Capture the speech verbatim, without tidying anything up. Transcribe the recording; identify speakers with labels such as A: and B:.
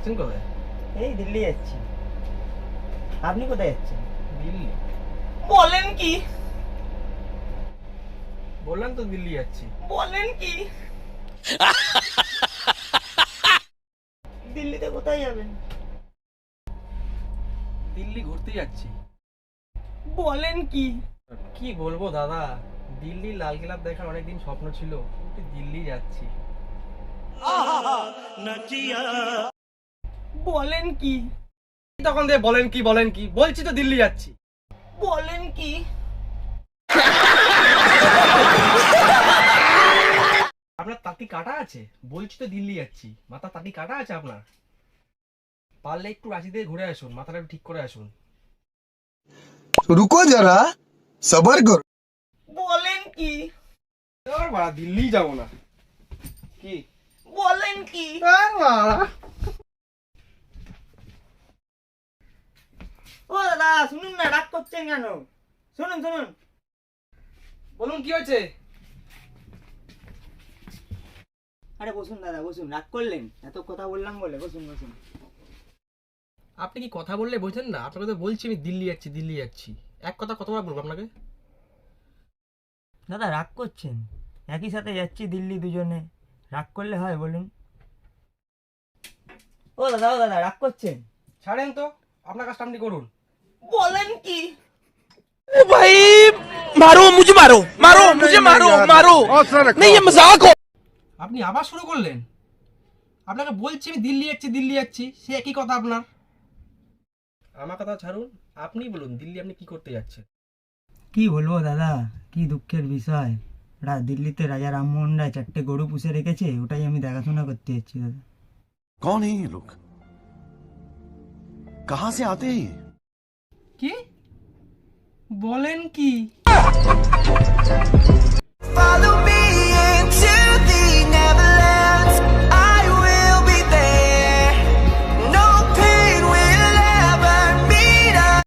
A: যাচ্ছেন কোথায়?
B: এই দিল্লি যাচ্ছি। আপনি কোথায় যাচ্ছেন?
A: দিল্লি?
B: বলেন কি?
A: বললাম তো দিল্লি যাচ্ছি।
B: বলেন কি? দিল্লিতে কোথায় যাবেন?
A: দিল্লি ঘুরতে যাচ্ছি।
B: বলেন কি?
A: কি বলবো দাদা, দিল্লি লালকেল্লা দেখার অনেকদিন স্বপ্ন ছিল, কিন্তু দিল্লি যাচ্ছি।
B: বলেন কি?
A: তখন দিয়ে বলেন কি বলেন কি, বলছি তো দিল্লি যাচ্ছি।
B: বলেন কি?
A: আপনার তাঁতি কাটা আছে? বলছি তো দিল্লি যাচ্ছি। মাথা তাঁতি কাটা আছে আপনার? পারলে একটু রাঁচি দিয়ে ঘুরে আসুন, মাথাটা একটু ঠিক করে আসুন।
C: रुको जरा सबर करो।
B: বলেন কি?
A: আর বাড়া, দিল্লি যাবো না। কি
B: বলেন কি?
A: আর বাড়া।
B: ও দাদা শুনুন না, রাগ করছেন কেন? শুনুন শুনুন।
A: বলুন কি হয়েছে?
B: আরে বসুন দাদা বসুন, রাগ করলেন? এত কথা বললাম বলে, বসুন বসুন।
A: আপনি কি কথা বললে বোঝেন না? আপনাকে তো বলছি আমি দিল্লি যাচ্ছি দিল্লি যাচ্ছি। এক কথা কতবার বলবো আপনাকে?
B: দাদা রাগ করছেন? একই সাথে যাচ্ছি দিল্লি দুজনে, রাগ করলে হয় বলুন? ও দাদা ও দাদা রাগ করছেন?
A: ছাড়েন তো, আপনার কাজটা আপনি করুন।
B: বলেন কি?
D: भाई मारो मुझे मारो मारो मुझे मारो मारो नहीं ये मजाक हो।
A: আপনি আবার শুরু করলেন? আপনাকে বলছি আমি দিল্লি যাচ্ছি দিল্লি যাচ্ছি, সে একই কথা আপনার। আমার কথা ছাড়ুন, আপনি বলুন দিল্লি আপনি কি করতে যাচ্ছেন?
B: কি বলবো দাদা, কি দুঃখের বিষয়। দিল্লিতে রাজা রামমোহন রায় চারটে গরু পুষে রেখেছে, ওটাই আমি দেখাশোনা করতে যাচ্ছি দাদা।
E: कौन है ये लोग? कहां से आते हैं ये?
A: কি বলেন কি?
D: Follow me